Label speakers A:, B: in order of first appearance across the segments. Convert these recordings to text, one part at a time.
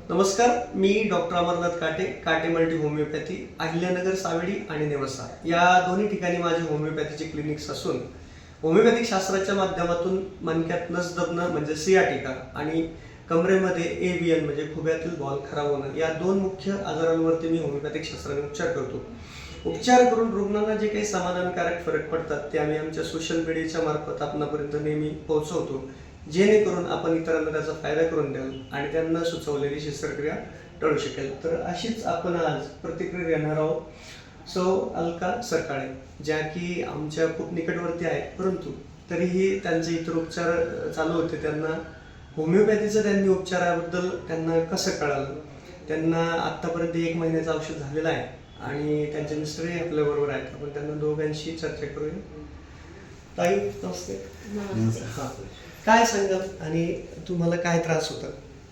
A: नमस्कार, मी डॉक्टर अमरनाथ काटे, काटे मल्टी होमिओपॅथी, अहिल्यानगर, सावेडी आणि नेवासा या दोन्ही ठिकाणी माझे होमिओपॅथीचे क्लिनिक्स असून होमिओपॅथिक शास्त्राच्या माध्यमातून मणक्यात नस दबणं म्हणजे सियाटिका आणि कमरेमध्ये एव्हीएन म्हणजे खुब्यातील बॉल खराब होणं या दोन मुख्य आजारांवरती मी होमिओपॅथिक शास्त्राने उपचार करतो. उपचार करून रुग्णांना जे काही समाधानकारक फरक पडतात ते आम्ही आमच्या सोशल मीडियाच्या मार्फत आपणापर्यंत नेहमी पोहोचवतो, जेणेकरून आपण इतरांना त्याचा फायदा करून द्याल आणि त्यांना सुचवलेली शस्त्रक्रिया टळू शकेल. तर अशीच आपण आज प्रतिक्रिया घेणार आहोत सौ अलका सरकाळे, ज्या की आमच्या खूप निकटवर्ती आहेत, परंतु तरीही त्यांचे इतर उपचार चालू होते. त्यांना होमिओपॅथीचं त्यांनी उपचाराबद्दल त्यांना कसं कळालं, त्यांना आत्तापर्यंत 1 महिन्याचं औषध झालेलं आहे आणि त्यांचे मिस्टरही आपल्याबरोबर आहेत. आपण त्यांना दोघांशी चर्चा करूया. ताई नमस्ते. हां, काय सांगाल आणि तुम्हाला काय त्रास होता?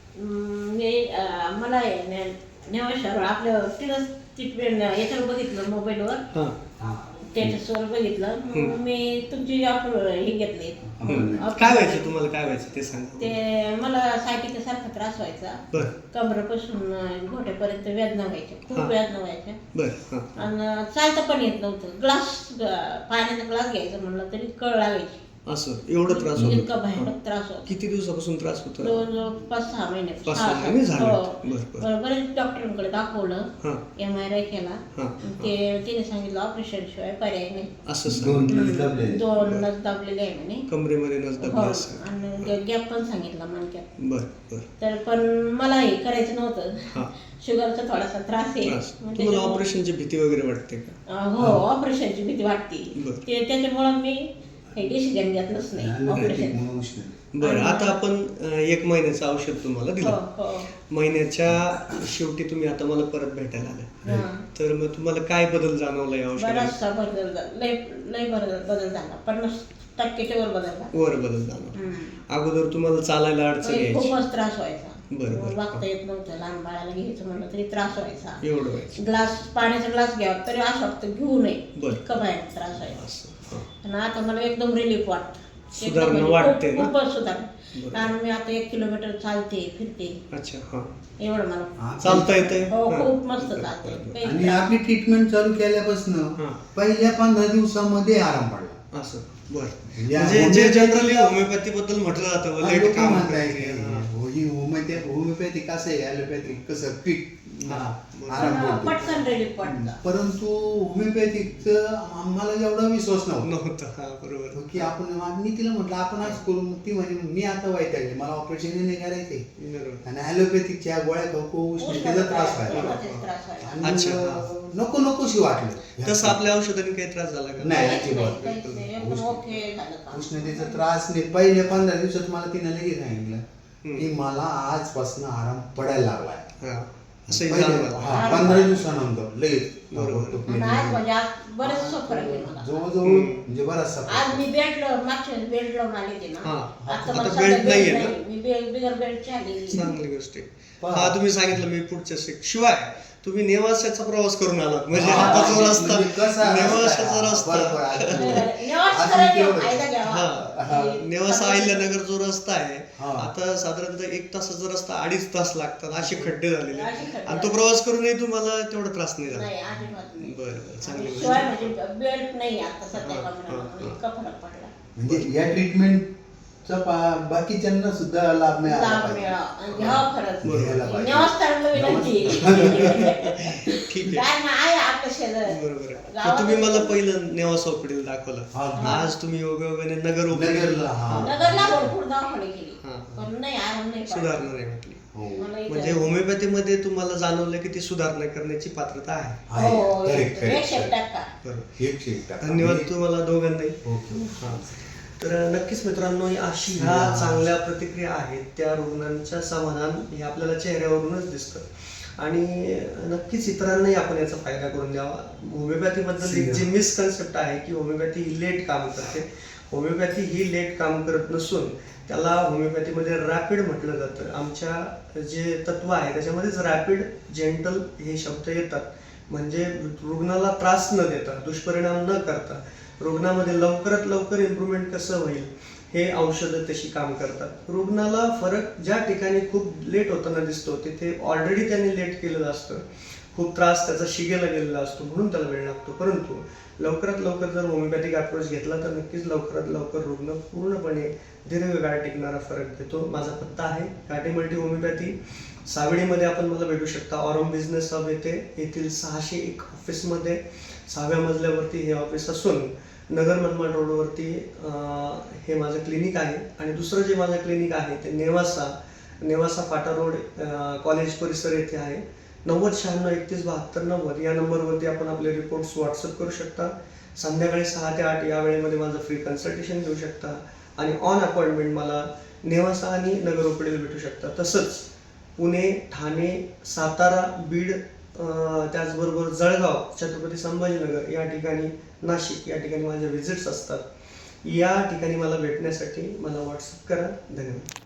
B: मला नेवाशावर आपल्या तिथंच ट्रीटमेंट याच्यावर बघितलं, मोबाईलवर स्टेटसवर बघितलं. मी तुमची हे घेतली.
A: काय व्हायचं तुम्हाला, काय व्हायचं ते सांगा.
B: ते मला सायटिका सारखा त्रास व्हायचा, कमरेपासून घोट्यापर्यंत वेदना व्हायच्या, खूप वेदना व्हायच्या आणि चालता पण येत नव्हतं. पाण्याचा ग्लास घ्यायचा म्हणलं तरी कळ लागायची.
A: असं एवढं त्रास होतो?
B: इतका भयानक त्रास होता.
A: किती दिवसापासून त्रास होता?
B: जवळजवळ 5-6 महिने.
A: 5-6 महिने झाले.
B: बरेच डॉक्टरांकडे दाखवलं, MRI केला. तिने सांगितलं ऑपरेशन शिवाय पर्याय नाही.
A: असं
B: दोन नस दाबलेले आहे म्हणे,
A: कमरेमध्ये नस दाबली
B: आणि गॅप पण सांगितला मणक्यात.
A: बरं.
B: तर पण मला हे करायचं नव्हतं. शुगरचा थोडासा त्रास आहे.
A: तुम्हाला ऑपरेशनची भीती वगैरे वाटते का?
B: हो, ऑपरेशनची भीती वाटते. त्याच्यामुळे मी हे डिसिजन घेतलंच नाही ऑपरेशन.
A: बरं, आता आपण 1 महिन्याचं औषध तुम्हाला दिलं. महिन्याच्या शेवटी तुम्ही आता मला परत भेटायला आले, तर मग तुम्हाला काय बदल जाणवला या औषधात?
B: बराचसा बदल झाला, लय बदल झाला. 50% वर बदल
A: झाला. अगोदर तुम्हाला चालायला अडचण यायची,
B: खूपच त्रास व्हायचा.
A: बरोबर.
B: वागता येत नव्हतं. लहान बाळाला घ्यायचं म्हणलं तरी त्रास व्हायचा.
A: एवढं व्हायचं.
B: ग्लास, पाण्याचा ग्लास घ्यावा तरी असं वाटतं घेऊ नये, इतकं भयानक त्रास व्हायचा. आणि आता मला एकदम रिलीफ वाटतं,
A: सुधारणा वाटते ना?
B: खूपच सुधारणा. कारण मी आता 1 किलोमीटर चालते, फिरते.
A: अच्छा,
B: एवढं मला
A: चालता येते.
B: हो, खूप मस्त चालते.
C: आणि आपली ट्रीटमेंट चालू केल्यापासून पहिल्या 15 दिवसामध्ये आराम पडला.
A: असं बरं. म्हणजे जे जनरली होमिओपॅथी बद्दल म्हटलं जातं लेट काम
C: होमिओपॅथी कसं आहे, ॲलोपॅथिक कसं क्विक आराम पडतो,
B: पटकन रिलीफ वाटतं.
C: परंतु होमिओपॅथिकचं आम्हाला एवढा विश्वास नव्हता.
A: बरोबर.
C: की मी तिला म्हटलं आपण आज करू, ती म्हणे मी आता वैतागले, मला ऑपरेशन नाही करायचे. आणि ॲलोपॅथिकच्या गोळ्या खाऊ उष्णतेचा त्रास व्हायला आणि नको नकोशी वाटलं.
A: तसं आपल्या औषधाने काही त्रास झाला का?
C: नाही, उष्णतेचा त्रास नाही. पहिले 15 दिवसात मला तिने लगेच सांगितलं की मला आजपासून आराम पडायला लागलाय. 15 दिवसानंतर लगेच जवळजवळ म्हणजे बराचसा.
B: आज मी मागच्या बेल्ट लावून आले ते ना, आता मला
A: बेल्ट नाहीये ना?
B: मी बिगर बेल्टची आलेली.
A: चांगली गोष्ट आहे. तुम्ही सांगितलं मी पुढच्या शिवाय तुम्ही नेवाशाचा प्रवास करून आलात, म्हणजे आता जो रस्ता नेवाशाचा रस्ता, नेवासा अहिल्यानगर जो रस्ता आहे, आता साधारणतः 1 तासाचा रस्ता 2.5 तास लागतात, असे खड्डे झालेले, आणि तो प्रवास करूनही तुम्हाला तेवढा त्रास नाही झाला. बरं, चांगली गोष्ट.
B: बेल्ट नाही आता सध्या इतका फरक पडला.
C: म्हणजे या ट्रीटमेंटचा बाकीच्यांना सुद्धा लाभ मिळाला.
A: ठीक आहे, बरोबर. तुम्ही मला पहिलं नेवासा ओपीडीला दाखवलं, आज तुम्ही योगायोगाने नगर ओपीडीला सुधारणा नाही म्हटली. म्हणजे होमिओपॅथी मध्ये तुम्हाला जाणवलं की ती सुधारणा करण्याची पात्रता आहे. धन्यवाद तुम्हाला दोघांनाही. तर नक्कीच मित्रांनो, अशी ह्या चांगल्या प्रतिक्रिया आहेत त्या रुग्णांच्या समाधान हे आपल्याला चेहऱ्यावरूनच दिसतं, आणि नक्कीच इतरांनाही आपण याचा फायदा करून द्यावा. होमिओपॅथीबद्दल एक जी मिसकन्सेप्ट आहे की होमिओपॅथी ही लेट काम करते. होमिओपॅथी ही लेट काम करत नसून त्याला होमिओपॅथीमध्ये रॅपिड म्हटलं जातं. आमच्या जे तत्व आहे त्याच्यामध्येच रॅपिड, जेंटल हे शब्द येतात. म्हणजे रुग्णाला त्रास न देता, दुष्परिणाम न करता रुग्णामध्ये लवकरात लवकर इम्प्रूव्हमेंट कसं होईल हे औषधं तशी काम करतात. रुग्णाला फरक ज्या ठिकाणी खूप लेट होताना दिसतो तिथे ऑलरेडी त्याने लेट केलेलं असतं, खूप त्रास त्याचा शिगेला गेलेला असतो म्हणून त्याला वेळ लागतो. परंतु लवकरात लवकर जर होमिओपॅथिक अप्रोच घेतला तर नक्कीच लवकरात लवकर रुग्ण पूर्णपणे दीर्घकाळ टिकणारा फरक देतो. माझा पत्ता आहे काटे मल्टी होमिओपॅथी, सावेडीमध्ये आपण मला भेटू शकता. ऑरम बिझनेस हब येथील 601 ऑफिसमध्ये 6व्या मजल्यावरती हे ऑफिस असून नगर मनमाड रोडवरती हे माझं क्लिनिक आहे. आणि दुसरं जे माझं क्लिनिक आहे ते नेवासा फाटा रोड कॉलेज परिसर येथे आहे. 9096317290 या नंबरवरती आपण आपले रिपोर्ट्स व्हॉट्सअप करू शकता. संध्याकाळी 6 ते 8 या वेळेमध्ये माझं फ्री कन्सल्टेशन घेऊ शकता आणि ऑन अपॉइंटमेंट मला नेवासा आणि नगर ओपीडीला भेटू शकता. तसंच पुणे, ठाणे, सातारा, बीड, त्याचबरोबर जळगाव, छत्रपती संभाजीनगर या ठिकाणी, नाशिक या ठिकाणी माझ्या व्हिजिट्स असतात. या ठिकाणी मला भेटण्यासाठी मला व्हॉट्सअप करा. धन्यवाद.